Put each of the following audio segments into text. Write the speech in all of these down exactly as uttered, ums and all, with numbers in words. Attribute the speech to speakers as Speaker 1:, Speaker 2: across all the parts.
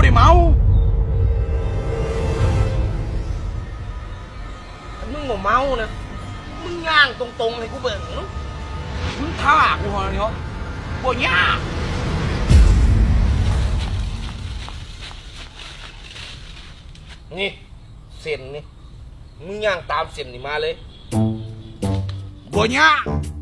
Speaker 1: ได้เมา
Speaker 2: มึงบ่เมานะมึงย่างตรงๆให้กูเบิ่ง
Speaker 1: มึงท่ากูเหรอเนี่ยบ่ยาก
Speaker 2: นี่เส้นนี่มึงย่างตามเส้นนี่มาเลย
Speaker 1: บ่ยาก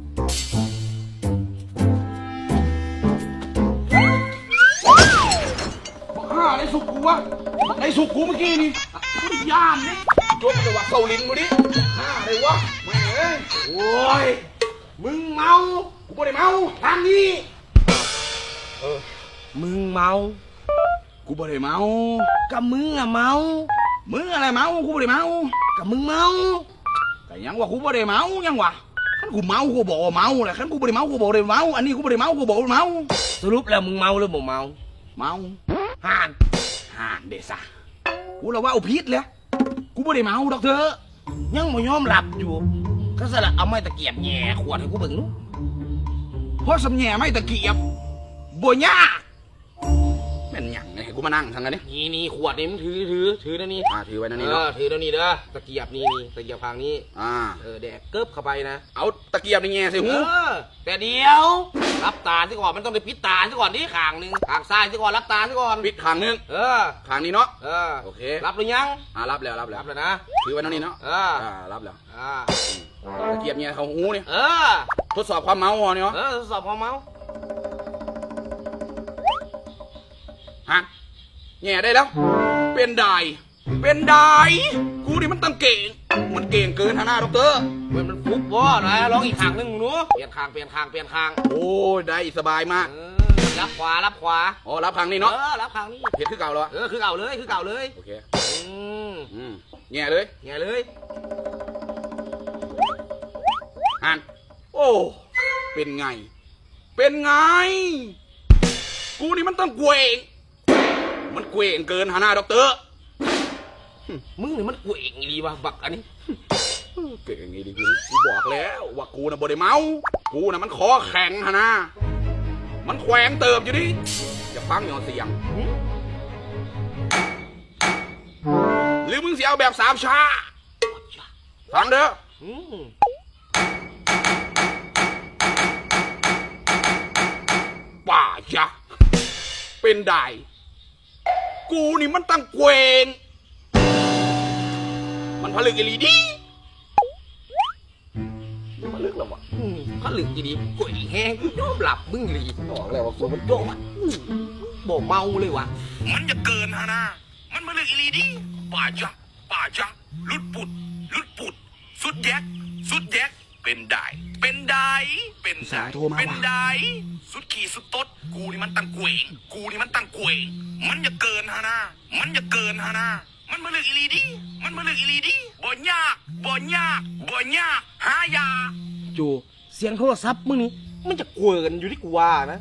Speaker 1: บ้าได้สุกกูวะได้สุกกูเมื่อกี้นี่กูได้ย่านนี่จบจังหวะเกาลิ้นกูดิห้าเลยวะแม่เอ้ยโอ้ยมึงเมากูบ่ได้เมาทางนี้
Speaker 2: เออมึงเมา
Speaker 1: กูบ่ได้เมา
Speaker 2: กับมึงอะเมา
Speaker 1: มึงอะไรเมากูบ่ได้เมา
Speaker 2: กับมึงเมา
Speaker 1: แต่ยังว่ากูบ่ได้เมายังวะขันกูเมากูบอกเมาแหละขันกูบ่ได้เมากูบอกได้เมาอันนี้กูบ่ได้เมากูบอกเมา
Speaker 2: สรุปแล้วมึงเมาหรือบ่เมา
Speaker 1: เมา
Speaker 2: ห่าน
Speaker 1: ห่านเดซ่ากูละว่าเอาพิษเลยกูบ่ได้เมาดอกเธอ
Speaker 2: ยังบ่ยอมหลับอยู่ก็สละเอาไม้ตะเกียบแย่ขวดให้กูเบิ่งนู้
Speaker 1: เพราะสำแย่ไม่ตะเกียบบ่ยากเป็นหยังไงกูมานั่งทางนั้นนี่
Speaker 2: นี่นี่ขวดนี่มึงถือถือถือแล้วนี่
Speaker 1: อ่าถือไว้นั่นนี่
Speaker 2: เนาะถือแล้วนี่เด้อตะเกียบนี่นี่ตะเกียบทางนี้
Speaker 1: อ่า
Speaker 2: เออแดกเกิบเข้าไปนะ
Speaker 1: เอาตะเกียบนี่แง่ใส่หู
Speaker 2: แต่เดียวรับตาซะก่อนมันต้องได้ปิดตาซะก่อนนี่ข้างนึงข้างซ้ายซะก่อนรับตาซะก่อน
Speaker 1: ปิดข้างนึง
Speaker 2: เออ
Speaker 1: ข้างนี้เนาะ
Speaker 2: เออ
Speaker 1: โอเค
Speaker 2: รับหรือยัง
Speaker 1: อ่ารับแล้วรับแล้ว
Speaker 2: รับแล้วนะ
Speaker 1: ถือไว้นั่นนี่เนาะ
Speaker 2: เออ
Speaker 1: อ่ารับแล้ว
Speaker 2: อ่า
Speaker 1: ตะเกียบแง่เขาหูนี่
Speaker 2: เออ
Speaker 1: ทดสอบความเมาเนี่ยเนาะ
Speaker 2: เออทดสอบความเมา
Speaker 1: ฮะแง่ได้แล้วเป็นได้เป็นได้กูนี่มันตั้งเก่งมันเก่งเกินฮะหน้าด็อกเตอร์
Speaker 2: มันมันฟุบวะนะลองอีกข้างนึงหนูเปลี่ยนข้างเปลี่ยนข้างเปลี่ยนข้าง
Speaker 1: โอ้ได้สบายมาก
Speaker 2: รับขวารับขวา
Speaker 1: อ๋อรับข้างนี้เนาะ
Speaker 2: เออรับข้างนี้
Speaker 1: เห็ดคือเก่าเหรอ
Speaker 2: เออคือเก่าเลยคือเก่าเลย
Speaker 1: โอเค
Speaker 2: อืม
Speaker 1: อืมแง่เลย
Speaker 2: แง่เลย
Speaker 1: ฮันโอ้เป็นไงเป็นไงกูนี่มันต้องเกวงมันเกวงเกินฮะหน้าด็อกเตอร์
Speaker 2: มึงนี่มันเกวงดีวะบักอันนี้
Speaker 1: เก่งไงดีกูกูบอกแล้วว่ากูน่ะบ่ได้เมากูน่ะมันคอแข็งฮะนะมันแขวงเติบอยู่ดิอย่าฟังอย่างเสียงหรือมึงเสียเอาแบบสามชาฟังเด้อป่าจ้ะเป็นได้กูนี่มันตั้งเกวงมันผลึกอีหลีดีมันลึกแล้ววะ
Speaker 2: ผลึกอีดีกวยแห้งยอมหลับมึงหลี
Speaker 1: บอกแล้วว่ากูมันโยก
Speaker 2: บ่เมาเลยวะ
Speaker 1: มันจะเกินฮะนะมันผลึกอีหลีดีป่าจ้ะป่าจ้ะลุดปุดลุดปุดสุดแยกสุดแยกเป็นได้เป็นได้เป็นได้เป็นได้สุดขี่สุดตดกูนี่มันตั้งเกวงกูนี่มันตั้งเกวงมันจะเกินฮะนะมันจะเกินฮะนะมันมาเลือกอีลีดีมันมาเลือกอีลีดีบ่ยากบ่ยากบ่ยากหายา
Speaker 2: จูเสียงโทรศัพท์มึงนี่มันจะเกวินอยู่ที่กูว่านะ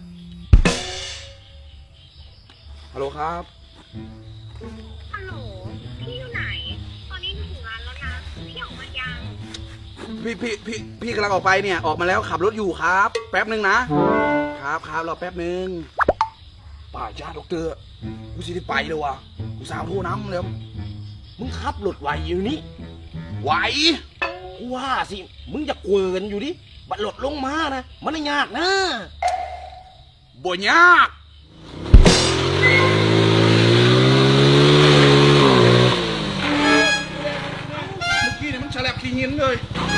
Speaker 1: ฮัลโหลครับ
Speaker 3: ฮัลโหลพี่อยู่ไหนตอนนี้ถึงร้านแล้วนะพี่ออกมายัง
Speaker 1: พี่พี่พี่พี่กำลังออกไปเนี่ยออกมาแล้วขับรถอยู่ครับแป๊บนึงนะครับครับรอแป๊บนึงป่าจ้าด็อกเตอร์กูสิได้ไปเลยวะกูสาวโทรน้ำแล้ว
Speaker 2: มึงขับรถไหวอยู่นี่
Speaker 1: ไหว
Speaker 2: กูว่าสิมึงจะเกวินอยู่ดิบัดรถลงมานะมันไม่ยากนะ
Speaker 1: บ่ยากเมื่อกี้เนี่ยมันฉลับขี้หินเลย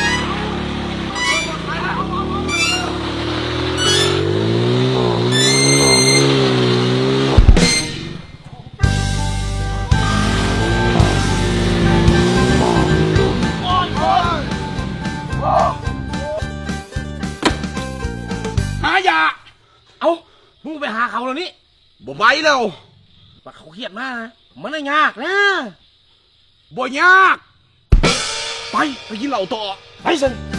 Speaker 1: ยา
Speaker 2: เอามึงไปหาเขาแล้วนี่
Speaker 1: บ่ไปแล้ว
Speaker 2: ว่าเขาเครียดมากนะมันไม่ยากนะ
Speaker 1: บ่ยากไปไปกินเหล้าต่อ
Speaker 2: ไปสิ